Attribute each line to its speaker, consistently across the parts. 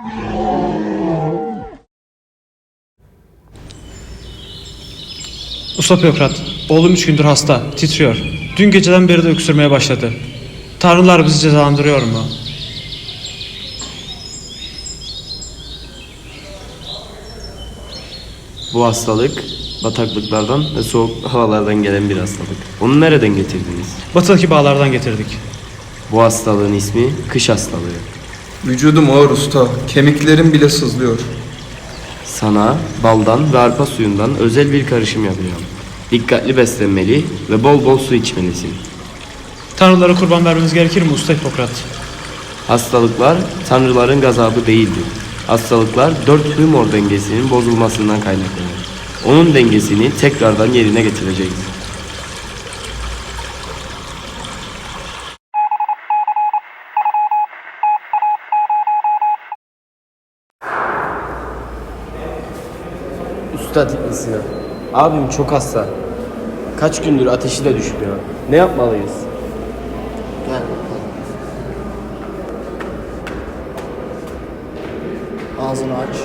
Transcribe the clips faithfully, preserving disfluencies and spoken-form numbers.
Speaker 1: Usta Bürokrat, oğlum üç gündür hasta, titriyor. Dün geceden beri de öksürmeye başladı. Tanrılar bizi cezalandırıyor mu?
Speaker 2: Bu hastalık bataklıklardan ve soğuk havalardan gelen bir hastalık. Onu nereden getirdiniz?
Speaker 1: Batıdaki bağlardan getirdik.
Speaker 2: Bu hastalığın ismi kış hastalığı.
Speaker 3: Vücudum ağır usta, kemiklerim bile sızlıyor.
Speaker 2: Sana baldan ve arpa suyundan özel bir karışım yapacağım. Dikkatli beslenmeli ve bol bol su içmelisin.
Speaker 1: Tanrılara kurban vermeniz gerekir mi Usta Hipokrat?
Speaker 2: Hastalıklar tanrıların gazabı değildir. Hastalıklar dört humor dengesinin bozulmasından kaynaklanır. Onun dengesini tekrardan yerine getireceğiz. Usta Tiplisi, abim çok hasta. Kaç gündür ateşi de düşmüyor. Ne yapmalıyız?
Speaker 4: Gel bakalım. Ağzını aç.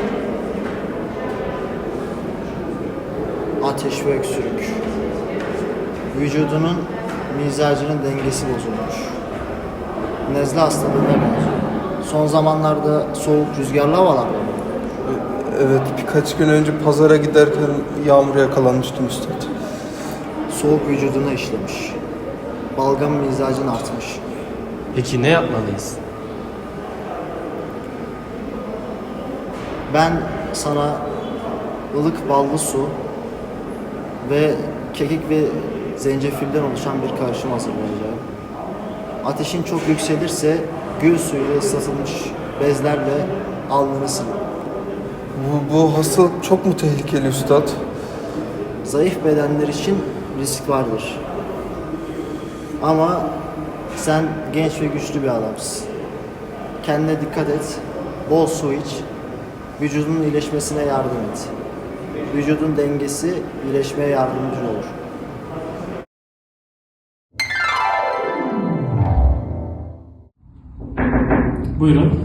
Speaker 4: Ateş ve öksürük. Vücudunun mizacının dengesi bozulmuş. Nezle hastalığına benziyor. Son zamanlarda soğuk rüzgarlı havalar var.
Speaker 3: Evet, birkaç gün önce pazara giderken yağmura yakalanmıştım üstad.
Speaker 4: Soğuk vücuduna işlemiş. Balgam mizacın artmış.
Speaker 2: Peki ne yapmalıyız?
Speaker 4: Ben sana ılık ballı su ve kekik ve zencefilden oluşan bir karışım hazırlayacağım. Ateşin çok yükselirse gül suyuyla ıslatılmış bezlerle alnını sil.
Speaker 3: Bu, bu hastalık çok mu tehlikeli üstad?
Speaker 4: Zayıf bedenler için risk vardır. Ama sen genç ve güçlü bir adamsın. Kendine dikkat et, bol su iç, vücudunun iyileşmesine yardım et. Vücudun dengesi iyileşmeye yardımcı olur.
Speaker 5: Buyurun.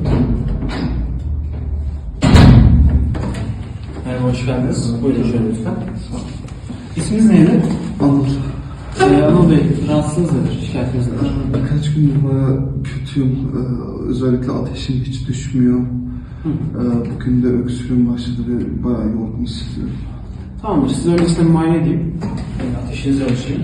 Speaker 5: Merhaba, hoş geldiniz. Buyurun şöyle lütfen. İsminiz neydi?
Speaker 3: Anıl.
Speaker 5: Ee, Anıl Bey, rahatsızlığınız nedir? Şikayetiniz nedir?
Speaker 3: Birkaç gündür bayağı kötüyüm. Ee, özellikle ateşim hiç düşmüyor. Ee, bugün de öksürüğüm başladı ve bayağı yorgun hissediyorum.
Speaker 5: Tamamdır, size öncesinde bir muayene edeyim. Yani ateşinizi ölçeyim.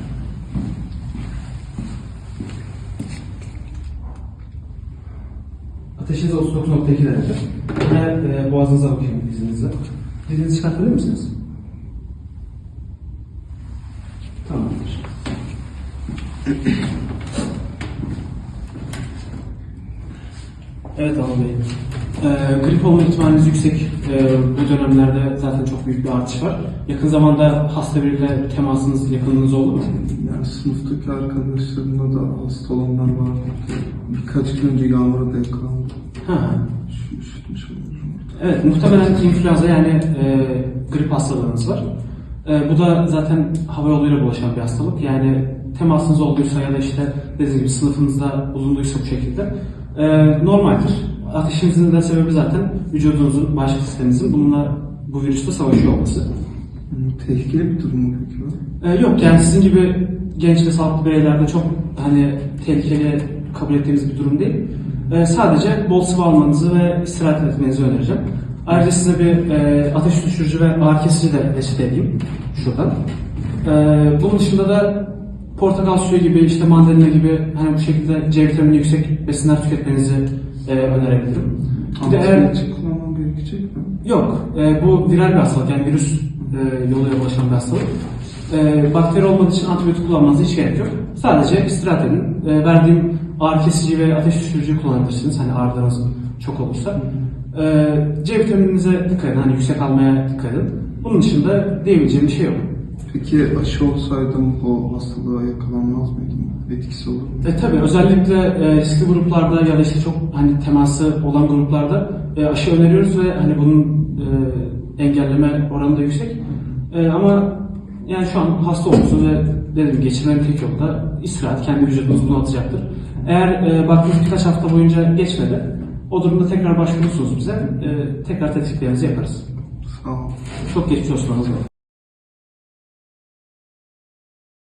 Speaker 5: Ateşiniz otuz dokuz nokta iki derece. Ve e, boğazınıza bakayım izninizle. Dilinizi çıkartabilir misiniz? Tamamdır. Evet Anıl Bey. Ee, grip olma ihtimaliniz yüksek. Ee, bu dönemlerde zaten çok büyük bir artış var. Yakın zamanda hasta biriyle temasınız, yakınınız oldu mu?
Speaker 3: Yani sınıftaki arkadaşlarımda da hasta olanlar var. Birkaç gün önce yağmura denk kaldım.
Speaker 5: Ha.
Speaker 3: Şu üşütmüş oluyorum.
Speaker 5: Evet, muhtemelen influenza yani e, grip hastalığınız var. E, bu da zaten hava yoluyla bulaşan bir hastalık. Yani temasınız olduysa ya da işte dediğim gibi sınıfınızda bulunduysa bu şekilde e, normaldir. Ateşinizin de sebebi zaten vücudunuzun, bağışıklık sisteminizin bununla bu virüsle savaşıyor olması.
Speaker 3: Hmm, tehlikeli bir durum mu peki bu?
Speaker 5: E, yok yani sizin gibi genç ve sağlıklı bireylerde çok hani tehlikeli kabul ettiğimiz bir durum değil. E, sadece bol sıvı almanızı ve istirahat etmenizi önereceğim. Ayrıca size bir e, ateş düşürücü ve ağrı kesici de reçete edeyim şuradan. E, bunun dışında da portakal suyu gibi, işte mandalina gibi hani bu şekilde C vitamini yüksek besinler tüketmenizi e, önerebilirim. Bir de eğer
Speaker 3: Antibiyotik kullanmam gerekecek mi?
Speaker 5: yok, e, bu viral bir hastalık yani virüs e, yoluyla bulaşan bir hastalık. E, bakteri olmadığı için antibiyotik kullanmanıza hiç gerek yok. Sadece istirahat edin. E, verdiğim ağrı kesici ve ateş düşürücü kullanabilirsiniz. Hani ağrılarınız çok olursa. E, C vitamininize dikkat edin. Hani yüksek almaya dikkat edin. Bunun dışında diyebileceğim bir şey yok.
Speaker 3: Peki aşı olsaydım o hastalığa yakalanmaz mıydım? Etkisi olur mu?
Speaker 5: E tabi özellikle e, riskli gruplarda ya da işte çok hani teması olan gruplarda e, aşı öneriyoruz ve hani bunun e, engelleme oranı da yüksek. E, ama yani şu an hasta olursunuz ve dediğim gibi geçirmenin tek yolu da istirahat, kendi vücudunuz bunu atacaktır. Eğer e, baktığınız birkaç hafta boyunca geçmedi, O durumda tekrar başvurursunuz bize. E, tekrar tetkiklerinizi yaparız.
Speaker 3: Sağ ol.
Speaker 5: Çok geçmiş olsun Anıl Bey.